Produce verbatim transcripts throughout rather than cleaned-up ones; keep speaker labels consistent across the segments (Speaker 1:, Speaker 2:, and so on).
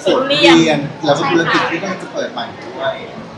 Speaker 1: สวนเรียนแล้วก็ธุรกิจที่กำลังจะเปิดใหม่ด้วย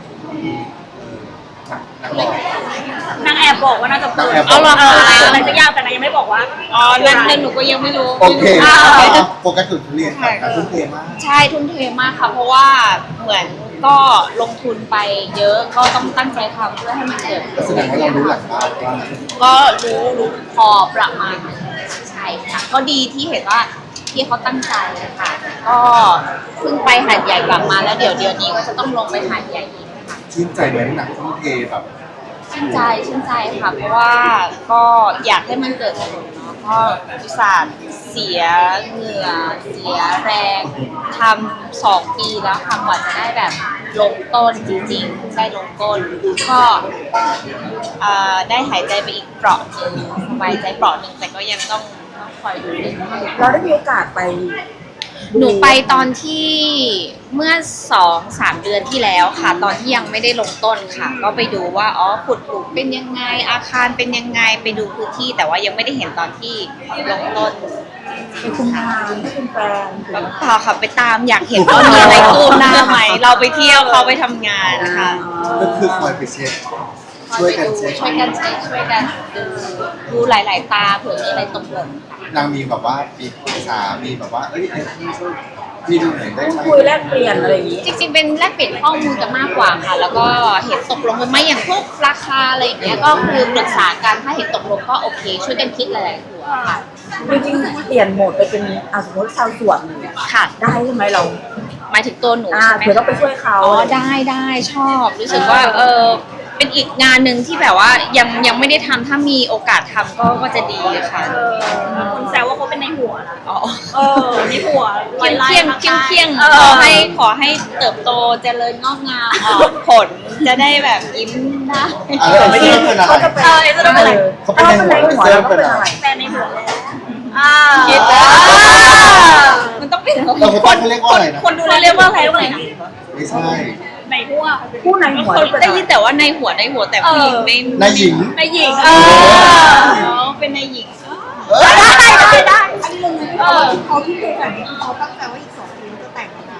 Speaker 1: นักบอก
Speaker 2: นางแอบบอกว่าน่าจะเปิด
Speaker 1: เอาหรอ
Speaker 2: อะไรสักอย่างแต่นางยังไม่บอกว่าอ๋อนั่นนั่นหนูก็ยังไม่รู้
Speaker 1: โอเคโฟกัสถึงทุเรียนค่ะทุ่มเทมาก
Speaker 3: ใช่ทุ่มเทมากค่ะเพราะว่าเหมือนก็ลงทุนไปเยอะก็ต้องตั้งใจทำเพื่อให้มันเกิด
Speaker 1: แสดงว่าเรารู้หลักบ้านว่า
Speaker 3: ก็รู้รู้พอประมาณใช่ค่ะก็ดีที่เห็นว่าที่เขาตั้งใจค่ะก็เพิ่งไปหาดใหญ่กลับมาแล้วเดี๋ยวเดี๋ยวนี้ก็จะต้องลงไปหาดใหญ่อีกค่ะ
Speaker 1: ชื่นใจไหมหนักทุ่มเทแบบ
Speaker 3: ชื่นใจชื่นใจค่ะเพราะว่าก็อยากให้มันเกิดผลเนาะเพราะอุตส่าห์เสียเหงื่อเสียแรงทำสองปีแล้วค่ะกว่าจะได้แบบลงต้นจริงๆได้ลงต้นก็ได้หายใจไปอีกเปราะหนึ่งสบายใจเปราะหนึ่งแต่ก็ยังต้องคอยดู
Speaker 4: เราได้มีโอกาสไป
Speaker 3: หนูไปตอนที่เมื่อสองสามเดือนที่แล้วค่ะตอนที่ยังไม่ได้ลงต้นค่ะก็ไปดูว่าอ๋อขุดปลูกเป็นยังไงอาคารเป็นยังไงไปดูพื้นที่แต่ว่ายังไม่ได้เห็นตอนที่ลงต้น
Speaker 4: ไปคุมงานไปคุมแปลง
Speaker 3: เปล่าค่ะไปตามอยากเห็นว่ามีอะไรคืบหน้าไหมเราไปเที่ยวเขาไปทำงานค่ะ
Speaker 1: ก็คือคอยไปเช็คช่วยกันเช็ค
Speaker 3: ช่วยกันเช็คช่วยกันดูดูหลายๆตาเผื่อมีอะไรตกหล่น
Speaker 1: นางมีแบบว่ามีปรึกษามีแบบว่าเอ้ยพี่ช่วยพี่ดูหน่อยได้ไหม
Speaker 4: คุยแลกเปลี่ยนอะไรอย่างนี้
Speaker 3: จริงๆเป็นแลกเปลี่ยนข้อมูลกันมากกว่าค่ะแล้วก็เห็นตกลงกันไหมอย่างพวกราคาอะไรอย่างเงี้ยก็คือปรึกษากันถ้าเห็นตกลงก็โอเคช่วยกันคิดหลายๆหัวค่ะ
Speaker 4: จริงๆเปลี่ยนโหมดไปเป็นอ่ะสมมติชาวสวน
Speaker 3: ค่ะ
Speaker 4: ได้ใช่ไหมเรา
Speaker 3: หมายถึงตัวหนูใช่ไหม
Speaker 4: เผื่อต้องไปช่วยเขา
Speaker 3: อ๋อได้ได้ชอบรู้สึกว่าเออเป็นอีกงานหนึ่งที่แบบว่ายังยังไม่ได้ทำถ้ามีโอกาสทำก็ก็จะดีค่ะ
Speaker 2: คนแซวว่าเขาเป็นในหัวนะ
Speaker 3: อ๋อ
Speaker 2: เออในหัว
Speaker 3: เคียงเคียงเคียงเคียงขอให้ขอให้เติบโตเจริญงอกงามออกผลจะได้แบบยิ้มได้
Speaker 1: ไม่ได้เป็นอะไร
Speaker 2: เออจะเป็นอะไร
Speaker 1: เขาเป็นในหัวเซลเป็นอะไร
Speaker 2: แต่ในหัวอ่า
Speaker 3: คิดมันต้องเป็น
Speaker 1: เราคนเรียกว่าอะไรนะ
Speaker 2: คนดูเรียกว่าอะไรว่าอะไรนะ
Speaker 1: ไม่ใช่
Speaker 2: ในหัว
Speaker 4: ผู้ในหัว
Speaker 3: ได้ยินแต่ว่าในหัวในหัวแต่ผู้หญิงไม่
Speaker 1: ในหญิง
Speaker 2: ในหญิง
Speaker 3: เออเป็นในหญิง
Speaker 2: ได้ได้ได้
Speaker 4: อันนี้ลงในเขาที่เคยแต่งเขาตั้งใจว่าอีกสองปีจะแต่งนะ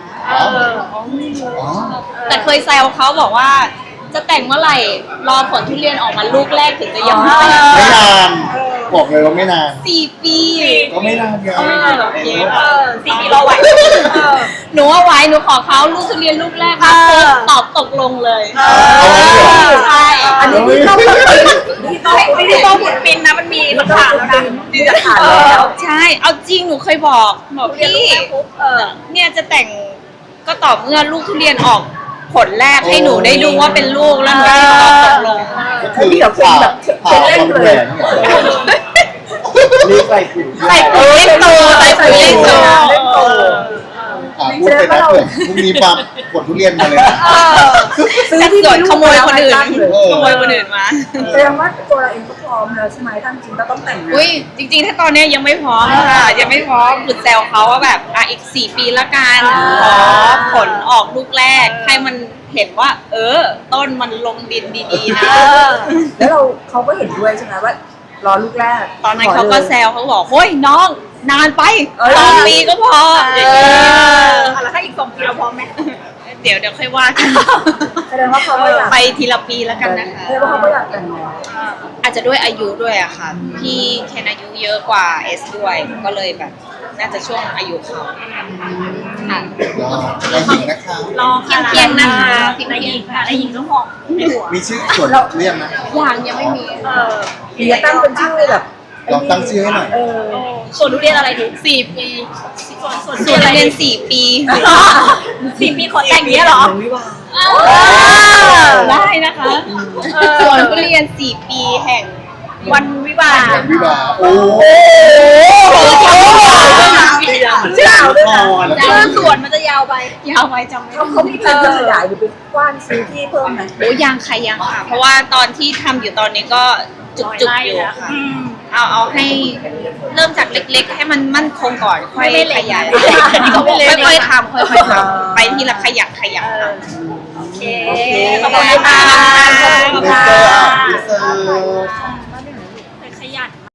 Speaker 3: แต่เคยแซวเขาบอกว่าจะแต่งเมื่อไหร่รอผลทุเรียนออกมาลูกแรกถึงจะยังไม่แต่ง
Speaker 1: ไม่นานบอกเลยว่าไม่นาน
Speaker 3: สี่ปี
Speaker 1: ก็ไม่นานเยอะ
Speaker 3: ไม่นานหรอกเยอะ
Speaker 2: สี่ปีรอไหว
Speaker 3: หนูว่าไหวหนูขอเขาลูกทุเรียนลูกแรกค่ะตอบตกลงเลยใช่
Speaker 4: อันนี้ที่ต้อง
Speaker 2: ที่ต้องที่ต้องขุดปินนะมันมีหลักฐานแล้วนะ
Speaker 4: มีหลักฐานแล้ว
Speaker 3: ใช่เอาจริงหนูเคยบอกบอกพี่เนี่ยจะแต่งก็ต่อเมื่อลูกทุเรียนออกผลแรกให้หนูได้ดูว่าเป็นลูกแล้วหนูจะตอบตกลง
Speaker 4: ที่แบบเป็นแบบเป็นเล่นเลย
Speaker 1: รีบใส่ปุ๋ย
Speaker 3: ใส่ปุ๋ยเล็กโตใส่ปุ๋ยเล็กโต
Speaker 1: พูดไปนะเผื่อพรุ่งนี้ปั๊บกดทุเรียนมาเลย
Speaker 3: ซื้อที่สวนขโมยคนอื่นขโมยคนอื่นมา
Speaker 4: แสดงว่าตัวเราเองก็พร้อมแล้วใช่ไหมทั้งจริงก็ต้องแต่ง
Speaker 3: อุ้ยจริงๆถ้าตอนนี้ยังไม่พร้อมค่ะยังไม่พร้อมหลุดแซวเขาว่าแบบอ่ะอีกสี่ปีละกันขอผลออกลูกแรกให้มันเห็นว่าเออต้นมันลงดินดีๆนะ
Speaker 4: แล้วเราเขาก็เห็นด้วยใช่ไหมว่ารอลูกแรก
Speaker 3: ตอนนั้นเขาก็แซวเขาบอกเฮ้ยน้องนานไปสองปีก็พอ
Speaker 2: แล้วถ้าอีกสองปีเราพร้อมไหม
Speaker 3: เดี๋ยวเดี๋ยวค่อยว่ากัน
Speaker 4: แสดงว่าเขา
Speaker 3: ไปทีละปีแล้วกันนะคะ
Speaker 4: แสดงว่าเขาก็อยากแต่งงาน
Speaker 3: อาจจะด้วยอายุด้วยอะค่ะพี่เคนอายุเยอะกว่าเอสด้วยก็เลยแบบน่าจะช่วงอายุเขา
Speaker 1: ค่ะรอหญิงนะคะ
Speaker 2: รอ
Speaker 3: เพียงๆนะคะ
Speaker 2: ในหญิงค่ะในหญิงต้องหอมในหัว
Speaker 1: มีชื่อส่วนเรียกนะ
Speaker 3: อย่างยังไม่มี
Speaker 2: เออ
Speaker 4: เดี๋ยวตั้งเป็นชื่อแบบ
Speaker 1: ลองตั้งชื่อให้หน่อย
Speaker 2: ส่วนทุเรียนอะไรดี
Speaker 3: สี่ปี
Speaker 2: ส่วนส่วน
Speaker 3: ส่วนทุเรียนสี่ปี
Speaker 2: สี่ปีขอแต่งเนี้ยหรอ
Speaker 3: ได้นะคะส่วนทุเรียนสี่ปีแห่ง
Speaker 2: วันวิวา
Speaker 1: วิวาโอ้โห
Speaker 2: ยาวด้วยนะชื่อสวนมันจะยาวไป
Speaker 3: ยาวไปจำไม่ได้
Speaker 4: เขามีแผนจะขยายหรือไปกว้านซื้อที่เพิ่มไหม
Speaker 3: โอ้ยังค่ะยังค่ะเพราะว่าตอนที่ทำอยู่ตอนนี้ก็จุกๆอยู่ค่ะเอาเอาให้เริ่มจากเล็กๆให้มันมั่นคงก่อนค่อยขยายค่อยๆทำค่อยๆทำไปทีละขยักขยัก
Speaker 2: โอเคขอบคุณค่ะ
Speaker 1: ขอบคุณค่ะ